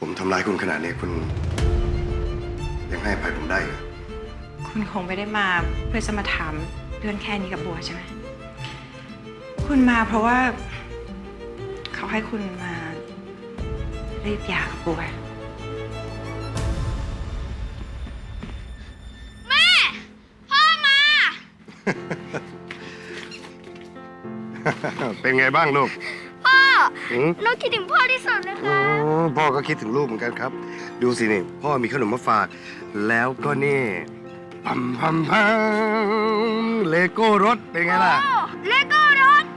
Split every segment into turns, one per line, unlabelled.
ผมทำร้ายคุณขนาดนี้คุณยังให้อภัยผมได้เหรอ
คุณคงไม่ได้มาเพื่อจะมาถามเรื่องแค่นี้กับบัวใช่ไหมคุณมาเพราะว่าเขาให้คุณมารีบหย่ากับบัว
แม่ พ่อมา
เป็นไงบ้างลูก
พ่อ
หืม
หนูคิดถึงพ่อที่สุดเลยค่ะ
พ่อก็คิดถึงลูกเหมือนกันครับ ดูสินี่พ่อมีขนมมาฝาก แล้วก็นี่พัมพัมพัมเลโก้รถเป็นไงล่ะ
เลโก้รถ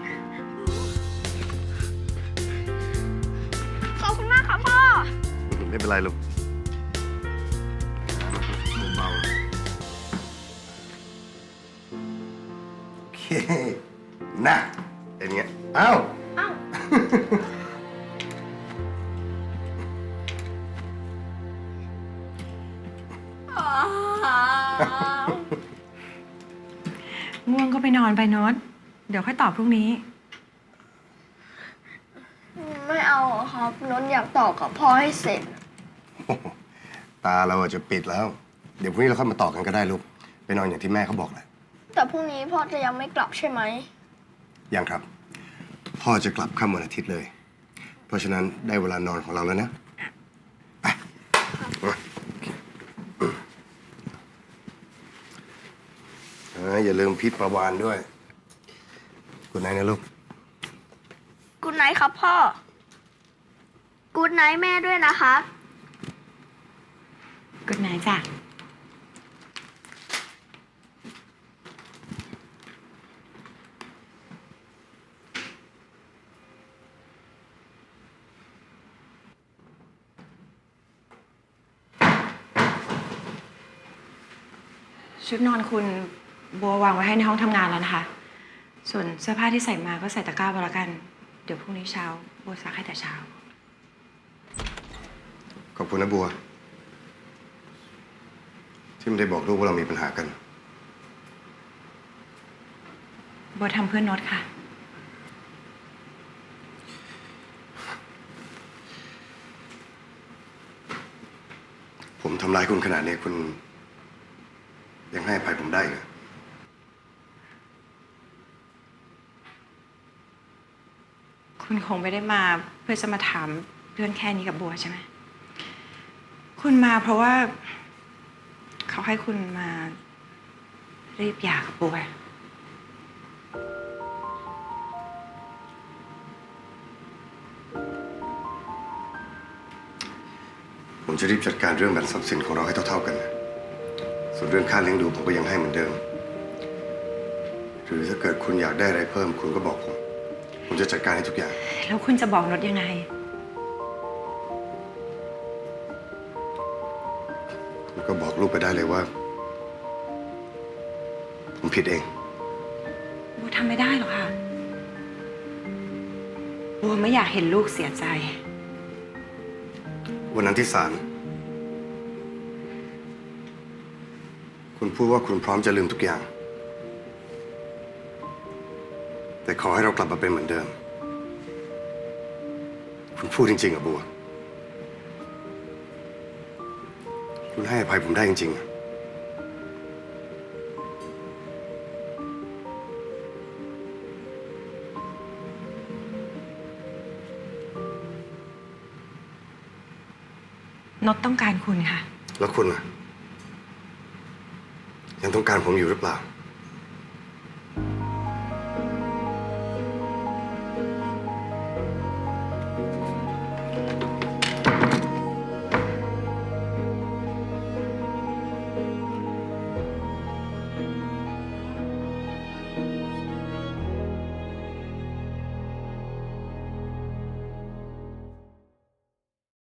ขอบคุณมากค่ะพ่อ
ไม่เป็นไรลูกเบาๆโอเคน่ะเป็นไงเอ้า
เอ้า
ง่วงก็ไปนอนไปโนตเดี๋ยวค่อยตอบพรุ่งนี้
ไม่เอาครับนนท์อยากต่อกับพ่อให้เสร็จ
ตาเราจะปิดแล้ว เดี๋ยวพรุ่งนี้เราค่อยมาต่อกันก็ได้ลูก ไปนอนอย่างที่แม่เขาบอกแหละ
แต่พรุ่งนี้พ่อจะยังไม่กลับใช่ไหม
ยังครับ พ่อจะกลับค่ำวันอาทิตย์เลย เพราะฉะนั้นได้เวลานอนของเราแล้วนะไปอย่าลืมพิษประวานด้วยกุดไนท์นะลูก
กูดไนท์ครับพ่อ กูดไนท์แม่ด้วยนะครับ
กุดไนท์จ้ะชุดนอนคุณบัววางไว้ให้ในห้องทำงานแล้วนะคะ ส่วนเสื้อผ้าที่ใส่มาก็ใส่ตะกร้าไว้แล้วกัน เดี๋ยวพรุ่งนี้เช้าบัวซักให้แต่เช้า
ขอบคุณนะบัว ที่ไม่ได้บอกลูกว่าเรามีปัญหากัน
บัวทำเพื่อนโน้ตค่ะ
ผมทำร้ายคุณขนาดนี้คุณยังให้อภัยผมได้เหรอ
คุณคงไม่ได้มาเพื่อจะมาถามเรื่องแค่นี้กับบัวใช่ไหมคุณมาเพราะว่าเขาให้คุณมารีบหย่ากับบัว
ผมจะรีบจัดการเรื่องแบ่งทรัพย์สินของเราให้เท่าๆกันนะส่วนเรื่องค่าเลี้ยงดูผมก็ยังให้เหมือนเดิม หรือถ้าเกิดคุณอยากได้อะไรเพิ่ม คุณก็บอกผม ผมจะจัดการให้ทุกอย่าง
แล้วคุณจะบอกโน้ตยังไง
คุณก็บอกลูกไปได้เลยว่า ผมผิดเอง
บัวทำไม่ได้หรอกค่ะ บัวไม่อยากเห็นลูกเสียใจ
วันนั้นที่ศาลคุณพูดว่าคุณพร้อมจะลืมทุกอย่าง แต่ขอให้เรากลับมาเป็นเหมือนเดิม คุณพูดจริงๆอะบัว คุณให้อภัยผมได้จริงๆอะ
โน้ตต้องการคุณค่ะ
แล้วคุณล่ะ ยังต้องการผมอยู่หรือเปล่า